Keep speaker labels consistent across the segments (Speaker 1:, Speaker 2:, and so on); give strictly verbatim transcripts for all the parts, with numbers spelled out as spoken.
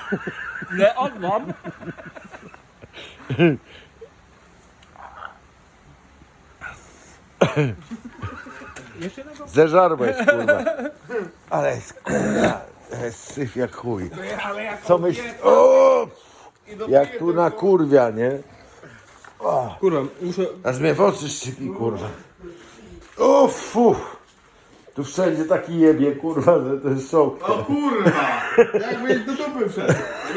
Speaker 1: Leon, mam. Jeszcze jednego?
Speaker 2: Zeżarłeś, kurwa. Ale jest, kurwa, jest syf jak chuj. Co myślisz? O! Jak tu na kurwia, nie? O,
Speaker 1: Kurwa, muszę...
Speaker 2: aż mnie w oczy szczypi, kurwa. O, fu. Tu wszędzie taki jebie, kurwa, że to jest szok.
Speaker 3: O kurwa! Jakby do dupy wszedł.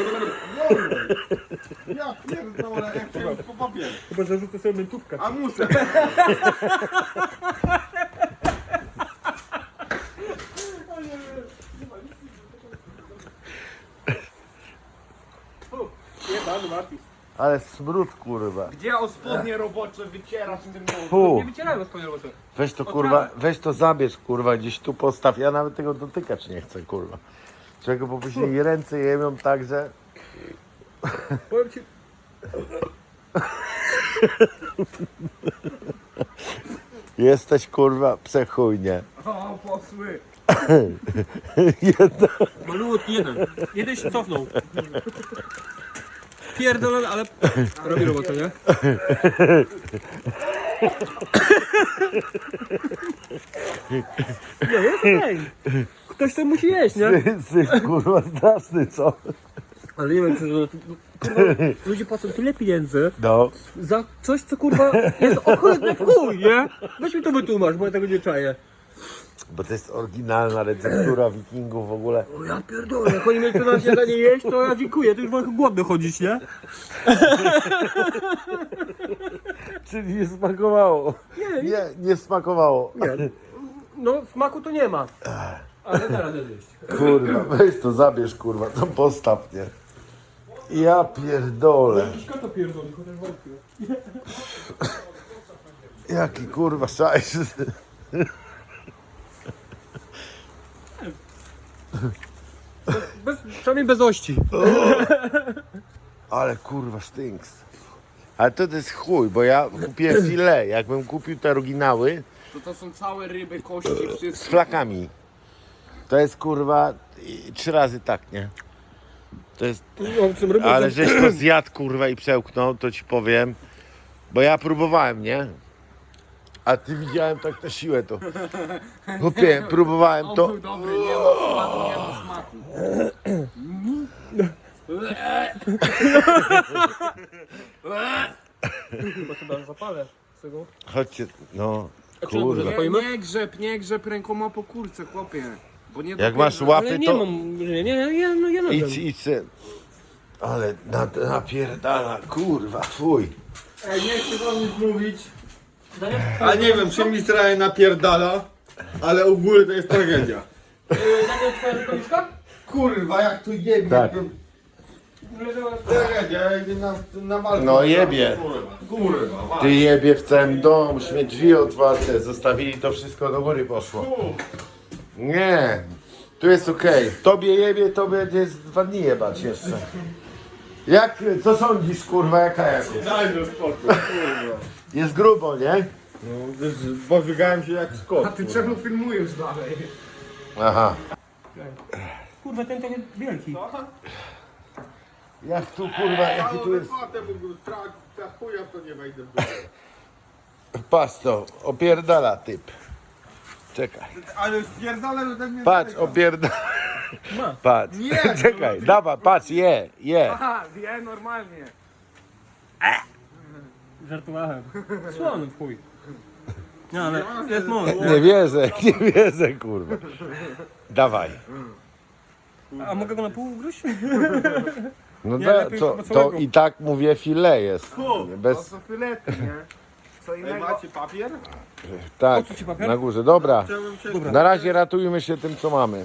Speaker 3: Ja pierdolę, jak chciałem po papier.
Speaker 1: Chyba zarzucę sobie mentówkę.
Speaker 3: A muszę.
Speaker 1: Jebany Martis.
Speaker 2: Ale smród, kurwa.
Speaker 3: Gdzie o spodnie robocze wycierasz tym nogą?
Speaker 2: Fu.
Speaker 1: Nie wycierają swoje roboty.
Speaker 2: Weź to, kurwa, weź to zabierz, kurwa, gdzieś tu postaw. Ja nawet tego dotykać nie chcę, kurwa. Czego, bo później ręce jemią tak, że...
Speaker 1: Powiem ci...
Speaker 2: Jesteś, kurwa, przechujnie.
Speaker 3: O, posły.
Speaker 2: Jedna.
Speaker 1: Malutki jeden. Jeden się cofnął. Pierdolę, ale robi robotę, nie? Nie, jest okej. Ktoś to musi jeść, nie?
Speaker 2: Syf, kurwa, straszny, co?
Speaker 1: Ale nie wiem, czy to... Kurwa, ludzie płacą tyle pieniędzy
Speaker 2: No.
Speaker 1: za coś, co kurwa jest ohydne w chuj, nie? Weź mi to wytłumacz, bo ja tego nie czaję.
Speaker 2: Bo to jest oryginalna receptura wikingów w ogóle.
Speaker 1: O ja pierdolę, jak oni mieli to na śniadanie jeść, to ja dziękuję, to już mogę głodny chodzić, nie?
Speaker 2: Czyli nie smakowało.
Speaker 1: Nie,
Speaker 2: Nie, nie smakowało.
Speaker 1: Nie. No, smaku to nie ma. Ale da radę zjeść.
Speaker 2: Kurwa, weź to zabierz, kurwa, to postaw, nie? Ja pierdolę.
Speaker 1: Jakiś kota pierdoli, chociaż wątpię.
Speaker 2: Jaki kurwa szajs.
Speaker 1: Bez, przynajmniej bez ości.
Speaker 2: Ale kurwa sztynks. Ale to, to jest chuj, bo ja kupiłem filet. Jakbym kupił te oryginały
Speaker 3: To to są całe ryby, kości,
Speaker 2: z
Speaker 3: wszystko.
Speaker 2: flakami. To jest kurwa i- trzy razy tak, nie? To jest... Ale żeś to zjadł, kurwa, i przełknął, to ci powiem. Bo ja próbowałem, nie? A ty widziałem tak na siłę to. Chłopie, próbowałem
Speaker 3: On
Speaker 2: to.
Speaker 3: był dobry, nie ma smaku, nie ma smaku.
Speaker 1: Chyba sobie zapalę z tego.
Speaker 2: Chodźcie, no,
Speaker 1: czy na górze
Speaker 2: kurwa.
Speaker 1: Zapalimy?
Speaker 3: Nie, nie grzeb, nie grzeb rękoma po kurce, chłopie. Bo nie
Speaker 2: Jak
Speaker 3: dopierzę.
Speaker 2: masz łapy,
Speaker 1: Ale nie
Speaker 2: to
Speaker 1: mam, nie, nie, nie, no ja
Speaker 2: idź, idź se. Ale na- napierdala, kurwa, fuj.
Speaker 3: Ej, nie chcę wam nic mówić. A nie wiem, czy mi trochę napierdala, ale ogólnie to jest tragedia.
Speaker 1: Daniel, twoja rękawiczka?
Speaker 3: Kurwa, jak tu jebie.
Speaker 2: Tak.
Speaker 3: Tragedia, ja idę na, na walkę.
Speaker 2: No jebie.
Speaker 3: Kurwa, kurwa, walka.
Speaker 2: Ty jebie w całym domu, śmie drzwi otwarte, zostawili to wszystko do góry poszło. Nie, tu jest okej. Tobie jebie, tobie jest dwa dni jebać jeszcze. Jak, co sądzisz, kurwa, jaka jest?
Speaker 3: Daj mi spokój, kurwa.
Speaker 2: Jest grubo, nie?
Speaker 3: No, pożygałem się jak skot. A ty czemu filmujesz dalej?
Speaker 2: Aha.
Speaker 1: Kurwa, ten trochę wielki.
Speaker 2: Jak tu, kurwa, jaki tu jest...
Speaker 3: Potem za chuja to nie wejdę w dół.
Speaker 2: Patrz to, opierdala typ. Czekaj.
Speaker 3: Ale spierdolę ode mnie.
Speaker 2: Patrz, opierdala.
Speaker 1: Ma.
Speaker 2: Patrz.
Speaker 3: Nie,
Speaker 2: Czekaj, dawaj, patrz, je, je.
Speaker 3: Aha, wie normalnie.
Speaker 1: Żartowałem. Słony w chuj. Nie, ale jest moc, nie?
Speaker 2: Nie wierzę, nie wierzę, kurwa. Dawaj.
Speaker 1: A mogę go na pół ugryźć?
Speaker 2: No
Speaker 1: Nie,
Speaker 2: da,
Speaker 1: lepiej
Speaker 2: to,
Speaker 1: chyba
Speaker 2: to
Speaker 1: całego.
Speaker 2: i tak mówię filet jest.
Speaker 3: To
Speaker 2: Bez,
Speaker 3: są filety, nie? Co innego? Ej, macie papier?
Speaker 2: tak,
Speaker 1: Po co ci papier?
Speaker 2: na górze. Dobra,
Speaker 3: Chciałbym się...
Speaker 1: Dobra.
Speaker 2: na razie ratujmy się tym, co mamy.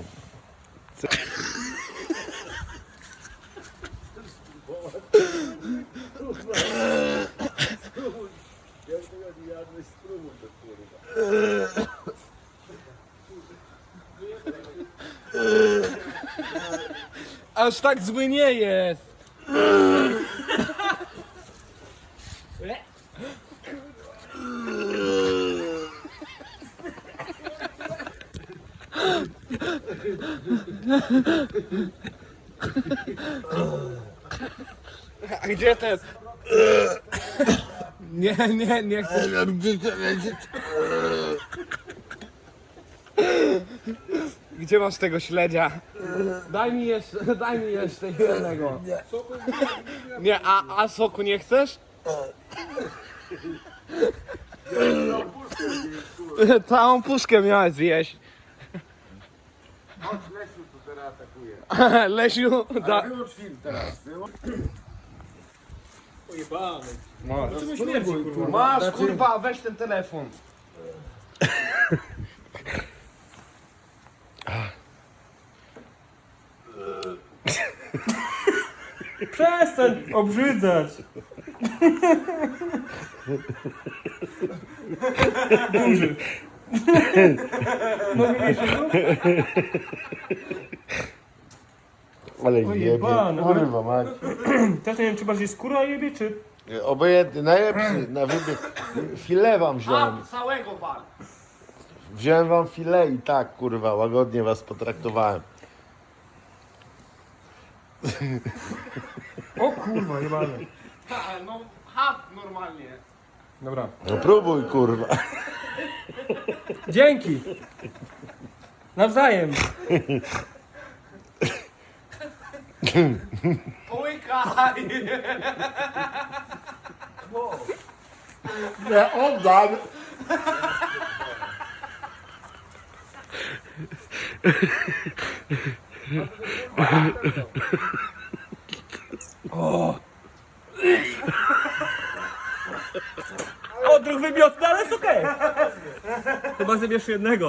Speaker 1: Aż tak zły nie jest. A gdzie ten? Nie, nie, nie chcę. Gdzie masz tego śledzia? Daj mi jeszcze, daj mi jeszcze jednego. Nie, a, a soku nie chcesz? Całą puszkę miałeś zjeść.
Speaker 2: Chodź, Lesiu tu teraz atakuje.
Speaker 1: Lesiu, da...
Speaker 2: Wyłącz film teraz. Wyłącz.
Speaker 1: Ojebany.
Speaker 2: Masz,
Speaker 1: Czemu śmierdzi, kurwa?
Speaker 2: Masz,
Speaker 1: Kurwa, weź ten telefon. Przestań obrzydzać. Duży. Mogę mieć
Speaker 2: Ale jebie,
Speaker 1: Ojebane, ale-
Speaker 2: kurwa mać.
Speaker 1: Też nie wiem, czy bardziej skóra jebie, czy...
Speaker 2: Obojętny, najlepszy na wybieg. Filet wam wziąłem.
Speaker 1: całego wal.
Speaker 2: Wziąłem wam filet i tak, kurwa, łagodnie was potraktowałem.
Speaker 1: O kurwa, jebane. No, ha, normalnie. Dobra.
Speaker 2: No próbuj, kurwa.
Speaker 1: Dzięki. Nawzajem. Połykaj.
Speaker 2: Nie oddam.
Speaker 1: Odruch wymiotny, ale jest okej. Chyba zabierz jednego.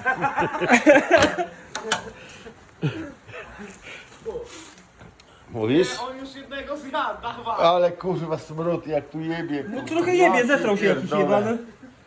Speaker 2: Mówisz?
Speaker 1: On już jednego zjadł, dawaj.
Speaker 2: Ale kurwa smród, jak tu jebie.
Speaker 1: No
Speaker 2: kurwa.
Speaker 1: trochę jebie, zetrał się jakiś
Speaker 2: pierdolę.
Speaker 1: jebany.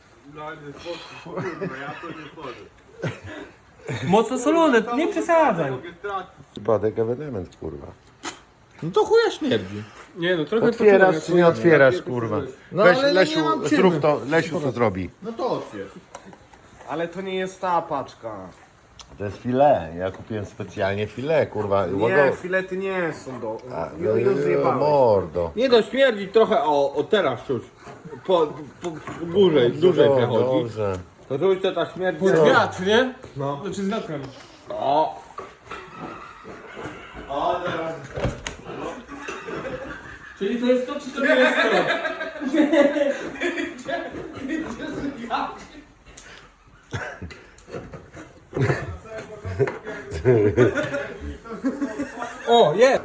Speaker 1: Mocno solone, nie przesadzaj.
Speaker 2: Przypadek, ewenement, kurwa.
Speaker 3: No to chuja śmierdzi.
Speaker 1: Nie no, trochę
Speaker 2: Otwierasz czy nie otwierasz, kurwa?
Speaker 3: No,
Speaker 2: Weź,
Speaker 3: ale nie
Speaker 2: Lesiu,
Speaker 3: mam czym.
Speaker 2: zrób to, Lesiu to zrobi.
Speaker 3: No to otwierz.
Speaker 1: Ale to nie jest ta paczka.
Speaker 2: To jest filet, ja kupiłem specjalnie filet, kurwa.
Speaker 1: Nie, filety nie są do...
Speaker 2: no, mordo.
Speaker 3: Nie no, śmierdzi trochę, o, o teraz czuć. Po, po, po górze, dłużej
Speaker 2: No,
Speaker 3: przechodzi.
Speaker 2: dobrze.
Speaker 3: To czuć to ta śmierć.
Speaker 1: Pod wiatr, nie?
Speaker 3: No.
Speaker 1: Znaczy z wiatrem.
Speaker 3: O. O, teraz.
Speaker 1: Czyli to jest to, czy to nie jest to? O, jest!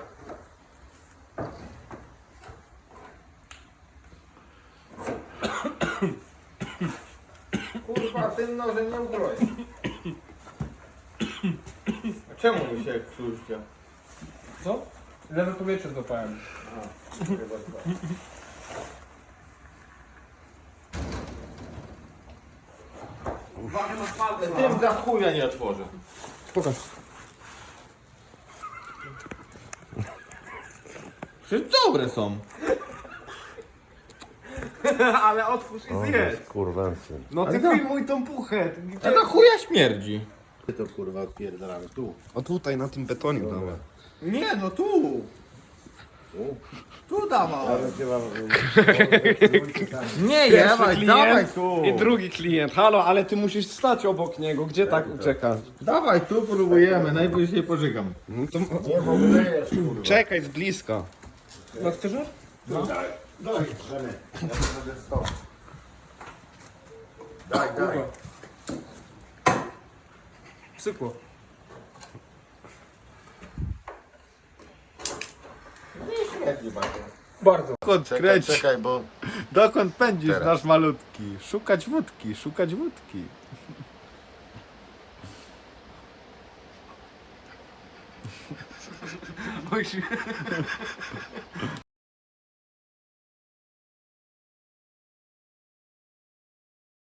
Speaker 3: Kurwa, tym nożem nie ukroję. Czemu mi się krztuście?
Speaker 1: Co? Lewe powietrze złapałem.
Speaker 3: Tym za chuja nie otworzę.
Speaker 1: Pokaż.
Speaker 3: Przecież dobre są.
Speaker 1: Ale otwórz i
Speaker 2: O,
Speaker 1: zjedz.
Speaker 2: kurwa, syn.
Speaker 1: No ty filmuj tą puchę.
Speaker 3: A ta chuja śmierdzi.
Speaker 2: Ty to kurwa odpierdalamy tu.
Speaker 1: O tutaj, na tym betonie dawaj.
Speaker 3: Nie, no tu. Tu dawaj. Nie jebaj,
Speaker 1: klient
Speaker 3: dawaj tu.
Speaker 1: I drugi klient. Halo, ale ty musisz stać obok niego. Gdzie tak uciekasz?
Speaker 3: Dawaj tu, próbujemy, najwyżej pożygam.
Speaker 1: No to...
Speaker 2: Nie, bo wlejesz, kurwa.
Speaker 1: Czekaj z bliska. No chcesz?
Speaker 2: No. Daj, daj, Żeny. Ja to będę stał. Daj, daj.
Speaker 1: Psykło.
Speaker 3: Nie śmierdzi bardzo.
Speaker 1: Bardzo.
Speaker 3: Dokąd
Speaker 2: Czekaj,
Speaker 3: kręć?
Speaker 2: czekaj, bo...
Speaker 3: Dokąd pędzisz,
Speaker 2: Teraz.
Speaker 3: nasz malutki? Szukać wódki, szukać wódki.